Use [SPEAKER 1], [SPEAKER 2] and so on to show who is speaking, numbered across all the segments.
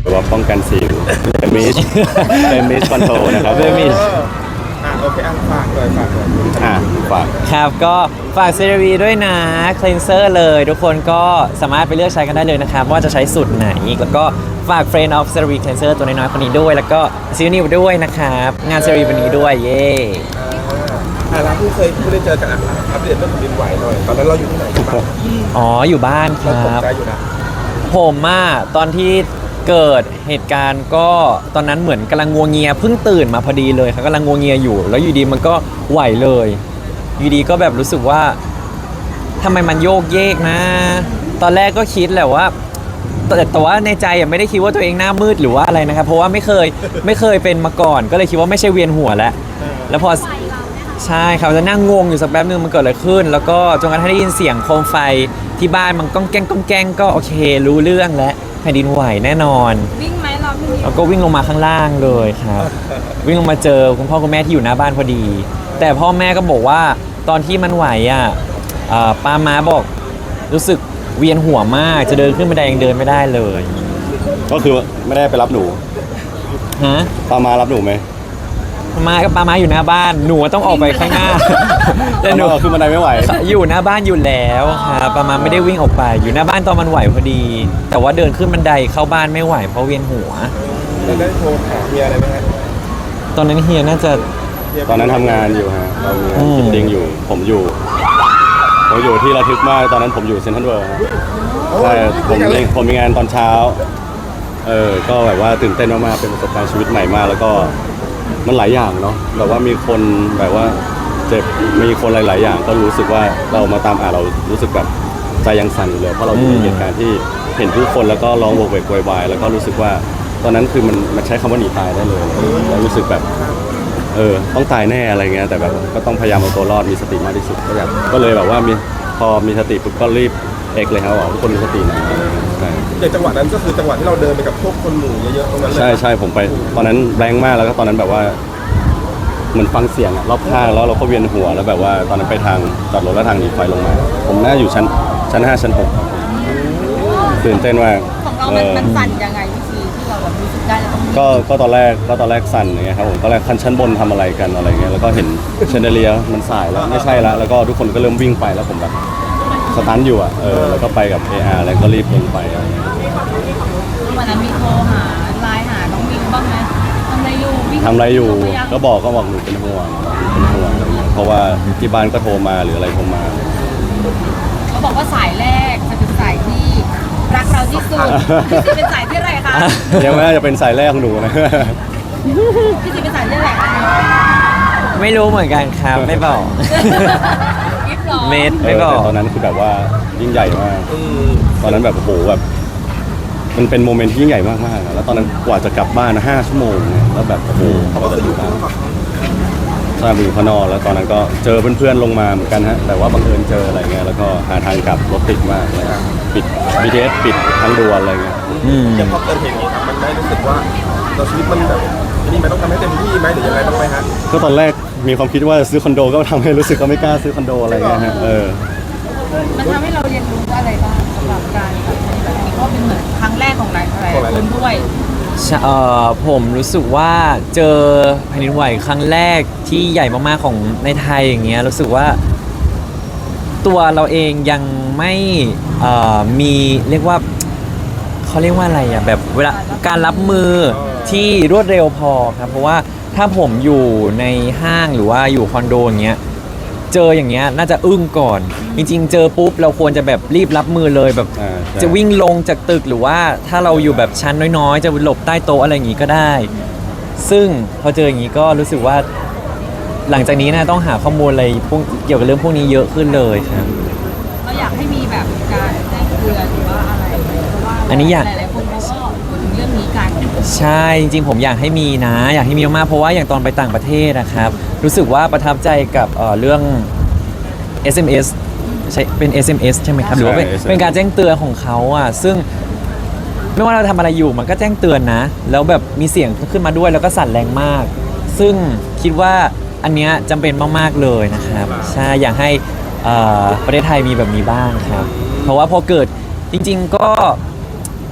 [SPEAKER 1] หรือว่าป้องกันสิวเป็นมิสเป็นมิสคอนโทรนะครับ
[SPEAKER 2] เป็นมิส
[SPEAKER 3] โอเคฝากเลยฝากเลย
[SPEAKER 1] ฝาก
[SPEAKER 2] ครับก็ฝากเซรวีด้วยนะคลีนเซอร์เลยทุกคนก็สามารถไปเลือกใช้กันได้เลยนะครับว่าจะใช้สูตรไหนแล้วก็ฝาก Friend of CeraVe Cleanser ตัวน้อยๆคนนี้ด้วยแล้วก็ซีนิวด้วยนะครับงาน CeraVe วันนี้ด้วยเย้
[SPEAKER 3] ร้านที่เคยได้เจอกันอัปเดตเรื่องแผ่นดินไหวหน่อยตอนนั้นเราอยู่ที่ไหนกันบ้าง
[SPEAKER 2] อ๋ออยู่บ้านค
[SPEAKER 3] เราตก
[SPEAKER 2] รับ
[SPEAKER 3] ใจอยู่นะ
[SPEAKER 2] ผมตอนที่เกิดเหตุการณ์ก็ตอนนั้นเหมือนกำลังงัวเงียเพิ่งตื่นมาพอดีเลยครับกำลังงัวเงียอยู่แล้วอยู่ดีมันก็ไหวเลยอยู่ดีก็แบบรู้สึกว่าทำไมมันโยกเยกนะ ตอนแรกก็คิดแหละว่าแต่ว่าในใจไม่ได้คิดว่าตัวเองหน้ามืดหรือว่าอะไรนะครับเพราะว่าไม่เคยเป็นมาก่อนก็เลยคิดว่าไม่ใช่เวียนหัวแล้วพอใช่ครับจะนั่งงงอยู่สักแป๊บนึงมันเกิดอะไรขึ้น แล้วก็จนกระทั่งได้ยินเสียงโคมไฟที่บ้านมันก้องแก้งก็โอเครู้เรื่องแล้วแผ่นดินไหวแน่นอน
[SPEAKER 4] วิ่งไหมเราพี่นิว
[SPEAKER 2] แล้วก็วิ่งลงมาข้างล่างเลยครับ วิ่งลงมาเจอคุณพ่อคุณแม่ที่อยู่หน้าบ้านพอดี แต่พ่อแม่ก็บอกว่าตอนที่มันไหวป้าม้าบอกรู้สึกเวียนหัวมากจะเดินขึ้นบันไดยังเดินไม่ได้เลย
[SPEAKER 1] ก็คือไม่ได้ไปรับหนู
[SPEAKER 2] ฮะ
[SPEAKER 1] ปามารับหนูไหม
[SPEAKER 2] ป้าม้าอยู่หน้าบ้านหนูต้องออกไปข้างหน้า แต่หนู
[SPEAKER 1] คือบันไดไม่ไหว
[SPEAKER 2] อยู่หน้าบ้านอยู่แล้วครับป้าม้าไม่ได้วิ่งออกไป อยู่หน้าบ้านตอนมันไหวพอดี แต่ว่าเดินขึ้นบันไดเข้าบ้านไม่ไหวเพราะเวียนหัว
[SPEAKER 3] แล้วได้โทรหาเมียอะไรไหมฮะ
[SPEAKER 2] ตอนนั้นเฮียน่าจะ
[SPEAKER 1] ตอนนั้นทำงานอยู่ฮะเรามีงานกินดิ้งอยู่ผมอยู่ที่ระทึกมากตอนนั้นผมอยู่เซ็นทรัลเวิลด์ฮะใช่ผมมีงานตอนเช้าก็แบบว่าตื่นเต้นมากๆเป็นประสบการณ์ชีวิตใหม่มากแล้วก็มันหลายอย่างเนาะแบบว่ามีคนแบบว่าเจ็บมีคนหลายๆอย่างก็รู้สึกว่าเรามาตามเรารู้สึกแบบใจยังสั่นอยู่เลยเพราะเราอยู่ในเหตุการณ์ที่เห็นผู้คนแล้วก็ร้องโวกเวกโวยวายแล้วก็รู้สึกว่าตอนนั้นคือมันใช้คำว่าหนีตายได้เลยแล้วรู้สึกแบบต้องตายแน่อะไรเงี้ยแต่แบบก็ต้องพยายามเอาตัวรอดมีสติมากที่สุดก็เลยแบบว่าพอมีสติปุ๊บก็รีบเลยครับว่าทุกคนมีสตินะใช่
[SPEAKER 3] อย่างจังหวะนั้นก็คือจังหวะที่เราเดินไปกับพวกคนหมู่เยอะๆตรงนั้นเลย
[SPEAKER 1] ใช่ผมไปตอนนั้นแรงมากแล้วก็ตอนนั้นแบบว่าเหมือนฟังเสียงรอบข้างแล้วเราก็เวียนหัวแล้วแบบว่าตอนนั้นไปทางจอดรถแล้วทางหนีไฟลงมาผมน่าอยู่ชั้น5ชั้น6ครับตื่นเต้นมาก
[SPEAKER 4] ของเรามันสั่นยังไงวิธีที่เราแบบรู้สึกได้แล้วต้อง
[SPEAKER 1] ก็ตอนแรกสั่นอย่างเงี้ยครับผมตอนแรกชั้นบนทำอะไรกันอะไรเงี้ยแล้วก็เห็นเชนเดเลียมันสายแล้วไม่ใช่แล้วก็ทุกคนก็เริ่มวิ่งไปแล้วผมแบบสตันอยู่แล้วก็ไปกับ AR แล้วก็รีบลงไปอะไรเงี้ย
[SPEAKER 4] วันนั้นมีโทรหาไลน์หาน้องมิวบ้างไหมทำอะไรอยู่วิ่ง
[SPEAKER 1] ทำอะไรอยู่ก็บอกหนูเป็นห่วงอะไรเงี้ยเพราะว่าที่บ้านก็โทรมาหรืออะไรโทรมา
[SPEAKER 4] เขาบอกว่าสายแรกจะเป็นสายที่รักเราที่สุดพี่ซีเป็นสายที่อะไรคะ
[SPEAKER 1] ยังไม่น่าจะเป็นสายแรกของหนูนะ
[SPEAKER 4] พี่ซีเป็นสายที่อะไรคะ
[SPEAKER 2] ไม่รู้เหมือนกันครับไม่บอก
[SPEAKER 4] กิฟต์หรอ
[SPEAKER 2] เมดไม่บอก
[SPEAKER 1] แต่ตอนนั้นคือแบบว่ายิ่งใหญ่มาก ตอนนั้นแบบโอ้โหแบบมันเป็นโมเมนต์ที่ยิ่งใหญ่มากๆอะแล้วตอนนั้นกว่าจะกลับบ้าน5 ชั่วโมงเนี่ยแล้วแบบโอ้โห
[SPEAKER 3] เขาก็อยู่ข้างนอก
[SPEAKER 1] ใช่อยู่ข้างนอกแล้วตอนนั้นก็เจอเพื่อนๆลงมาเหมือนกันฮะแต่ว่าบังเอิญเจออะไรเงี้ยแล้วก็หาทางกลับรถติดมากเลยปิด BTS ปิดทั้งด่วนอะไรเงี้ย
[SPEAKER 3] อย่างพอเกิดเหตุนี้ครับมันได้รู้สึกว่าเราชีวิตมันแบบนี่มันต้องทำให้เต็มที่ไหมหรือยังไงบ้างไหมฮะ
[SPEAKER 1] ก็ตอนแรกมีความคิดว่าจะซื้อคอนโดก็ทำให้รู้สึกก็ไม่กล้าซื้อคอนโดอะไรเงี้ยฮะ
[SPEAKER 4] มันทำให้เราเรียนรู้อะไรบ้างสำหรับการแบบนี้แบบนี้ก็เป็นเหมือนครั้งแรกของหลายคนด้วย
[SPEAKER 2] ผมรู้สึกว่าเจอแผ่นดินไหวครั้งแรกที่ใหญ่มากๆของในไทยอย่างเงี้ยรู้สึกว่าตัวเราเองยังไม่มีเรียกว่าเขาเรียกว่าอะไรอ่ะแบบเวลาการรับมือที่รวดเร็วพอครับเพราะว่าถ้าผมอยู่ในห้างหรือว่าอยู่คอนโดอย่างเงี้ยเจออย่างเงี้ยน่าจะอึ้งก่อนจริงๆเจอปุ๊บเราควรจะแบบรีบรับมือเลยแบบจะวิ่งลงจากตึกหรือว่าถ้าเราอยู่แบบชั้นน้อยๆจะหลบใต้โต๊ะอะไรอย่างงี้ก็ได้ ซึ่งพอเจออย่างนี้ก็รู้สึกว่าหลังจากนี้นะต้องหาข้อมูลอะไรเกี่ยวกับเรื่องพวกนี้เยอะขึ้นเลยครับ
[SPEAKER 4] เราอยากให้มีแบบการแจ้งเตือนหรือว่าอะไรเพราะว่า
[SPEAKER 2] อันนี้อยาก
[SPEAKER 4] หลายๆคนเขาก็พูดถึงเรื่องนี้กัน
[SPEAKER 2] ใช่จริงๆผมอยากให้มีนะอยากให้มีมากๆเพราะว่าอย่างตอนไปต่างประเทศนะครับรู้สึกว่าประทับใจกับเรื่อง SMS ใช่เป็น SMS ใช่ไหมครับหรือว่าเป็นการแจ้งเตือนของเขาอ่ะซึ่งไม่ว่าเราทำอะไรอยู่มันก็แจ้งเตือนนะแล้วแบบมีเสียงขึ้นมาด้วยแล้วก็สั่นแรงมาก ซึ่งคิดว่าอันเนี้ยจำเป็นมากๆเลยนะครับใช่อยากให้ประเทศไทยมีแบบนี้บ้างครับเพราะว่าพอเกิดจริงๆก็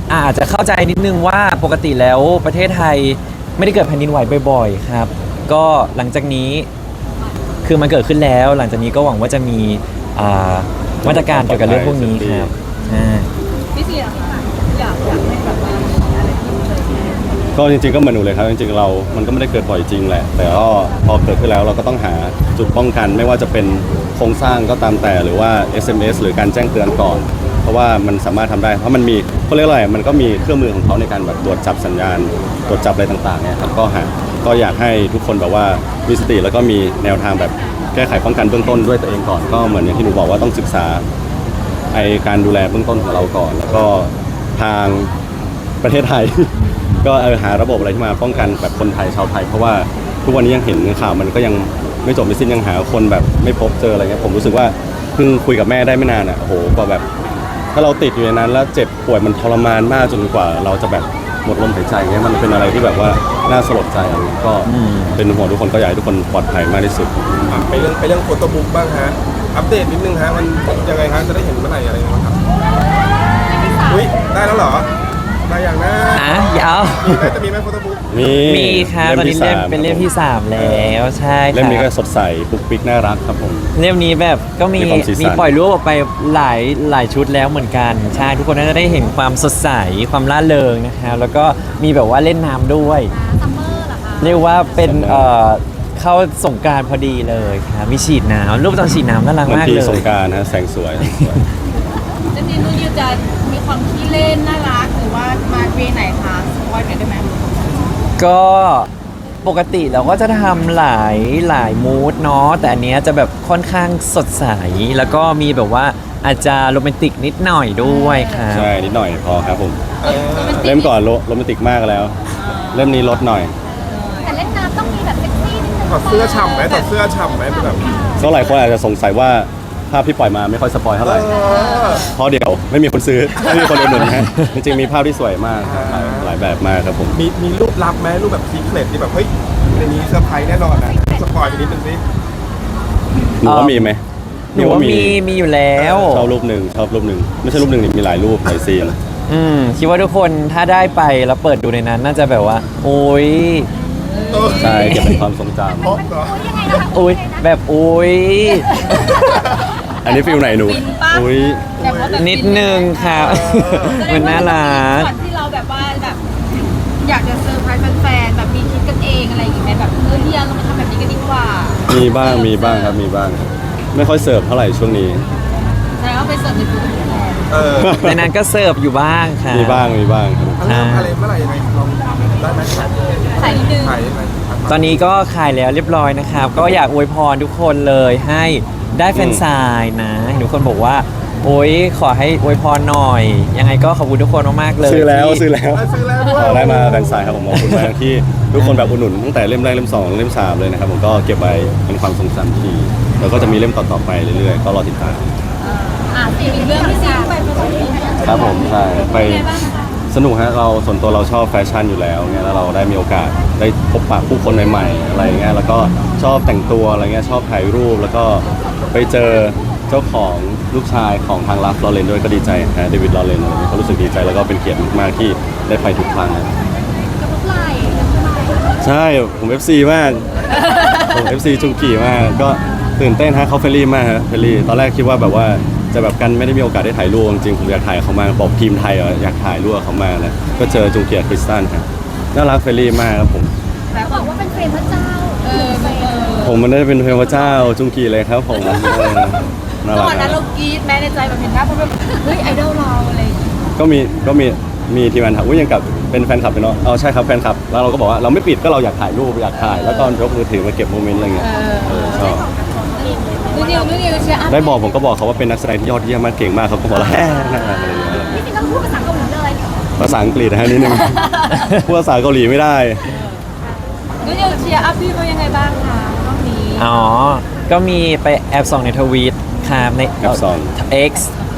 [SPEAKER 2] อาจจะเข้าใจนิดนึงว่าปกติแล้วประเทศไทยไม่ได้เกิดแผ่นดินไหวบ่อยๆครับ ก็หลังจากนี้คือมันเกิดขึ้นแล้ว หลังจากนี้ก็หวังว่าจะมีอ่ามาตรการเกี่ยวกับเรื่องพวกนี้ครับใช่
[SPEAKER 4] พี่เสียค่ะอยากให้แบบว่ามีอะไรเพิ่มเติมไหม
[SPEAKER 1] ก็จริงๆก็เหมือนหนูเลยครับจริงๆเรา มันก็ไม่ได้เกิดบ่อยจริงแหละ แต่ก็พอเกิดขึ้นแล้วเราก็ต้องหาจุดป้องกัน ไม่ว่าจะเป็นโครงสร้างก็ตามแต่หรือว่า SMS หรือการแจ้งเตือนก่อน เพราะว่ามันสามารถทำได้เพราะมันมีเขาเรียกอะไรมันก็มีเครื่องมือของเขาในการแบบตรวจจับสัญญาณตรวจจับอะไรต่างๆเนี่ยครับก็อยากให้ทุกคนแบบว่ามีสติแล้วก็มีแนวทางแบบแก้ไขป้องกันเบื้องต้นด้วยตัวเองก่อนก็เหมือนอย่างที่หนูบอกว่าต้องศึกษาไอการดูแลเบื้องต้นของเราก่อน แล้วก็ทางประเทศไทย ก็หาระบบอะไรที่มาป้องกันแบบคนไทยชาวไทยเพราะว่าทุกวันนี้ยังเห็นข่าวมันก็ยังไม่จบไม่สิ้นยังหาคนแบบไม่พบเจออะไรเงี้ยผมรู้สึกว่าเพิ่งคุยกับแม่ได้ไม่นานอ่ะโอ้โหก็แบบถ้าเราติดอยู่ในนั้นแล้วเจ็บป่วยมันทรมานมากจนกว่าเราจะแบบหมดลมหายใจเงี้ยมันเป็นอะไรที่แบบว่าน่าสลดใจอะไรเงี้ยก็เป็นห่วงทุกคนก็อยากให้ทุกคนปลอดภัยมากที่สุด
[SPEAKER 3] ไปเรื่องโฟโต้บุ๊กบ้างฮะอัปเดตนิดนึงฮะมันยังไงฮะจะได้เห็นเมื่อไหร่อะไรบ้างครับอุ้ยได้แล้วเหรอได้อย่างนะ
[SPEAKER 2] ยาว
[SPEAKER 3] มีไหมจะมีไหมโฟโต้บุ๊ก
[SPEAKER 2] มีครับตอนนี้เป็นเล่มที่ 3 แล้วใช่ครับ
[SPEAKER 1] เล่มนี้ก็สดใสปุ๊กปิ๊กน่ารักครับผม
[SPEAKER 2] เล่มนี้แบบก็มี
[SPEAKER 1] มีความสีสัน
[SPEAKER 2] มีปล่อยรูปออกไปหลายชุดแล้วเหมือนกันใช่ทุกคนน่าจะได้เห็นความสดใสความร่าเริงนะครับแล้วก็มีแบบว่าเล่นน้ำด้วย
[SPEAKER 4] ซัมเมอร์เหรอคะ
[SPEAKER 2] เรียกว่าเป็นเข้าสงกรานต์พอดีเลยครับมีฉีดน้ำรูปตอนฉีดน้ำน่ารัก
[SPEAKER 1] เหมือน
[SPEAKER 2] มาก
[SPEAKER 1] พี่
[SPEAKER 2] เลย
[SPEAKER 1] สงกรารนะแสงสวย
[SPEAKER 4] จริงๆนุ่นยูจะมีความขี้เล่นน่ารักหรือว่ามาเวไหนคะสปอยล์หน่อยได้ไหม
[SPEAKER 2] ก็ปกติเราก็จะทำหลายมูดเนาะแต่อันเนี้ยจะแบบค่อนข้างสดใสแล้วก็มีแบบว่าอาจจะโรแมนติกนิดหน่อยด้วยครับ
[SPEAKER 1] ใช่นิดหน่อยพอครับผมเล่มก่อนโรแมนติกมากแล้ว เล่มนี้ลดหน่อย
[SPEAKER 4] แต่เล่นน้ำต้องมีแบบเซ็กซี่นิดนึง
[SPEAKER 3] ถอดเสื้อฉ่ำไหมถอดเสื้อฉ่ำไหมเป็นแบบ
[SPEAKER 1] ก็หลายคนอาจจะสงสัยว่าภาพที่ปล่อยมาไม่ค่อยสปอยเท่าไหร่เพราะเดี๋ยวไม่มีคนซื้อ ไม่มีคนอุดหนุนนะฮะจริงๆมีภาพที่สวยมากครับหลายแบบมากครับผม
[SPEAKER 3] มีรูปลับไหมรูปแบบซีเครตที่แบบเฮ้ยในนี้เซอร์ไพรส์แน่นอนนะสปอยไปนิดนึงสิ
[SPEAKER 1] หนูว่ามีไหม
[SPEAKER 2] หนูว่ามีอยู่แล้ว
[SPEAKER 1] ชอบรูปหนึ่งไม่ใช่รูปหนึ่งนี่มีหลายรูปหลายซีน
[SPEAKER 2] คิดว่าทุกคนถ้าได้ไปแล้วเปิดดูในนั้นน่าจะแบบว่า โอ้ย
[SPEAKER 1] ใช่เก็บเป็นความทรงจ
[SPEAKER 3] เพราะเหรอ
[SPEAKER 2] โอ้ยแบบโอ้ย
[SPEAKER 1] ำอันนี้ฟิลไหนหนูอุ้ย
[SPEAKER 4] แต่ว่าแบบ
[SPEAKER 2] นิดนึงครับ มันน่ารัก
[SPEAKER 4] ก่อนที่เราแบบว่าแบบอยากจะเซอร์ไพรส์แฟนๆแบบมีคิดกันเองอะไรอย่างเงี้ยแบบเฮียเรามาทำแบบนี้กันดีกว่า
[SPEAKER 1] มีบ้างครับมีบ้างครับไม่ค่อยเสิร์ฟเท่าไหร่ช่วงนี้
[SPEAKER 4] แล้วเอาไปเสิร์ฟในตู้แทน
[SPEAKER 2] ในนั้นก็เสิร์ฟอยู่บ้างค่ะ
[SPEAKER 1] มีบ้างครับ
[SPEAKER 3] อะไรเมื่อไหร่ยังไงลองได้ไหมขาย
[SPEAKER 4] ใส่นิดนึง
[SPEAKER 3] ขายยังไง
[SPEAKER 2] ตอนนี้ก็ขายแล้วเรียบร้อยนะครับ ก็อยากอวยพรทุกคนเลยให้ได้แฟนซายนะทุกคนบอกว่า โอ้ยขอให้อวยพรหน่อย ยังไงก็ขอบคุณทุกคนมากๆเลย
[SPEAKER 1] ซื้อแล้ว
[SPEAKER 2] ที่
[SPEAKER 1] ซื้อแล้ว
[SPEAKER 3] ซื้อแล้วด้วย
[SPEAKER 1] ได้มาแฟนสายครับผมขอบคุณมากที่ทุกคนแบบอุดหนุนตั้งแต่เล่มแรกเล่ม2เล่ม3เลยนะครับผมก็เก็บไว้เป็นความทรงจำที่ดีแล้วก็จะมีเล่มต่อๆไปเรื่อยๆก็รอติดตาม
[SPEAKER 4] อีกเรื่องที่ซีไปผสม
[SPEAKER 1] ครับผมใช่ไปสนุกฮะเราส่วนตัวเราชอบแฟชั่นอยู่แล้วเงี้ยแล้วเราได้มีโอกาสได้พบปะผู้คนใหม่ๆอะไรเงี้ยแล้วก็ชอบแต่งตัวอะไรเงี้ยชอบถ่ายรูปแล้วก็ไปเจอเจ้าของลูกชายของทางลัฟลอเรนด้วยก็ดีใจฮะเดวิดลอเรนอะไรเงี้ยก็รู้สึกดีใจแล้วก็เป็นเกียรติมากๆที่ได้ไปทุกครั้งนะ
[SPEAKER 4] กระปุกไหล่
[SPEAKER 1] ใช่ผม FC มากผม FC จุงกีมากก็ตื่นเต้นฮะเขาเฟรนลี่มากฮะเฟรนลี่ตอนแรกคิดว่าแบบว่าจะแบบกันไม่ได้มีโอกาสได้ถ่ายรูปจริงๆผมอยากถ่ายเขามากบอกทีมไทยอยากถ่ายรูปกับเขามากเลยก็เจอจุงเกียร์คริสตันครับน่ารักเฟรนลี่มากครับผม
[SPEAKER 4] แต่บอกว่าเป็นเฟรมพระเจ้าเ
[SPEAKER 1] ผมมันได้เป็นเทพเจ้าจุงกีเลยครับผมน่า
[SPEAKER 4] ต
[SPEAKER 1] รั
[SPEAKER 4] อก นนั้นเรากรี๊ดแม้ในใจแบบเห็นหน้าเพราะแบบเฮ้ยไอดอลเราอะไรอย่างเงี้ย
[SPEAKER 1] ก็มีทีมงานถามว่ายังกับเป็นแฟนคลับเนาะเอาใช่ครับแฟนคลับแล้วเราก็บอกว่าเราไม่ปิดก็เราอยากถ่ายรูปอยากถ่ายแล้วก็ยกมือถือมาเก็บโมเมนต์อะไรเงี้ยชอบ
[SPEAKER 4] นู่นนิวเชียร์อัพ
[SPEAKER 1] ได้บอกผมก็บอกเขาว่าเป็นนักแสดงที่ยอดเยี่ยมมากเก่งมากเขาก็บอกแล้วน่ารักอะไรเงี้ย
[SPEAKER 4] พี่จริงต้องพูดภาษาเกาหลีเลย
[SPEAKER 1] ภาษาอังกฤษนะฮะนิดนึง พูดภาษาเกาหลีไม่ได้
[SPEAKER 4] นู่นนิวเชียร์อัพพี่เป็นยังไงบ้างคะรอบนี้
[SPEAKER 2] อ๋อ ก็มีไปแอบส่องในทวีตครับใน
[SPEAKER 1] แอบส่อง
[SPEAKER 2] X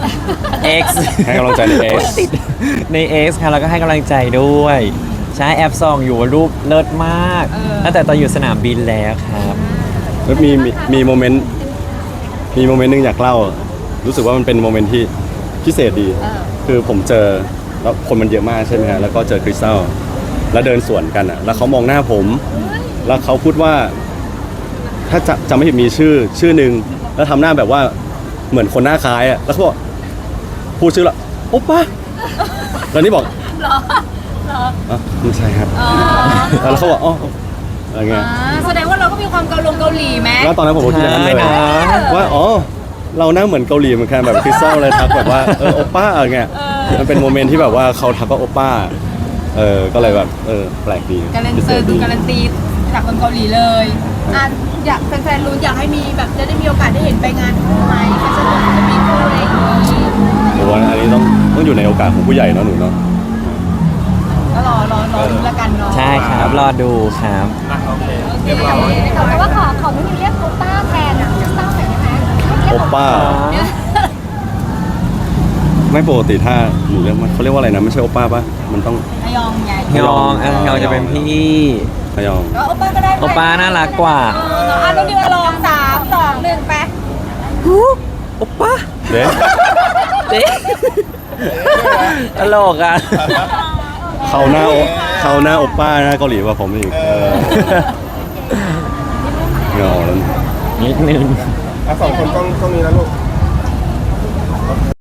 [SPEAKER 2] X
[SPEAKER 1] ให้กำลังใจใน X
[SPEAKER 2] ใน X ครับแล้วก็ให้กำลังใจด้วย ใช้แอปส่องอยู่รูปเลิศมากตั้งแต่ตอนอยู่สนามบินแล้วครับ
[SPEAKER 1] แล้วมีโมเมนต์หนึงอยากเล่า รู้สึกว่ามันเป็นโมเมนต์ที่พิเศษดี คือผมเจอแล้วคนมันเยอะมากใช่ไหมฮะแล้วก็เจอคริสตัลแล้วเดินสวนกันอ่ะแล้วเขามองหน้าผม แล้วเขาพูดว่า ถ้าจะไม่ผิดมีชื่อหนึ่งแล้วทำหน้าแบบว่าเหมือนคนหน้าคล้ายอ่ะแล้วเขาบอกพูดชื่อละโอป้าแล้วนี่บอก
[SPEAKER 4] เหรอเหรอ
[SPEAKER 1] อ๋อไม่ใช่ครับ
[SPEAKER 4] อ๋อ
[SPEAKER 1] แล้วเขาบอกอ๋ออะไรเงี้ย
[SPEAKER 4] แสดงว่าเราก็มีความเกาหลีไหม
[SPEAKER 1] แล้วตอนนั้นผมก็คิดอย่างนั้นเลย
[SPEAKER 2] ใช่นะ
[SPEAKER 1] ว่าอ๋อเราหน้าเหมือนเกาหลีเหมือนกันแบบคริสตัลเลยทักแบบว่าโอป้าอะไรเงี้ยมันเป็นโมเมนต์ที่แบบว่าเขาทักว่าโอป้าก็เลยแบบแปลกดี
[SPEAKER 4] การัน
[SPEAKER 1] พิเศ
[SPEAKER 4] ตี
[SPEAKER 1] ษดี
[SPEAKER 4] การันตีจากคนเกาหลีเลยอยากแฟนๆรู้อยากให้มีแบบจะได้มีโอกาสได้เห็นไปงานคู่ไหมแฟชั่นโชว์จะมีคู่อะไรอย่างนี้
[SPEAKER 1] ผมว่าอันนี้ต้องอยู่ในโอกาสของผู้ใหญ่เนาะหนูเนาะ
[SPEAKER 4] ก็รอดูแล้วกันเนาะ
[SPEAKER 2] ใช่ครับรอดูครับ
[SPEAKER 3] อ่ะโอเค
[SPEAKER 4] โอเค
[SPEAKER 3] เรียบร้อย
[SPEAKER 4] แต่ว่าขอไม่มีเรียกโอป้าแทนอ่ะจะตั้งแต่ได้ไหม
[SPEAKER 1] โอป้า ไม่ปกติถ้าหนูเรียกมันเขาเรียกว่าอะไรนะไม่ใช่โอป้าปะมันต้อง
[SPEAKER 4] ฮยองใหญ่
[SPEAKER 2] ยองยองจะเป็นพี่
[SPEAKER 1] พยอง
[SPEAKER 4] ก็โอป้าก็ได้
[SPEAKER 2] โอป้าน่ารักกว่า
[SPEAKER 4] อ่ะต้องดีมาลอง3 2 1ไป
[SPEAKER 2] โอป้า
[SPEAKER 1] เด้
[SPEAKER 2] เด็ตลกอ่ะ
[SPEAKER 1] เขาหน้าโอป้าหน้าเกาหลีกว่าผมอีกเงาแล้ว
[SPEAKER 2] นิดนึง
[SPEAKER 3] อ่ะสองคนต้องมีนะลูก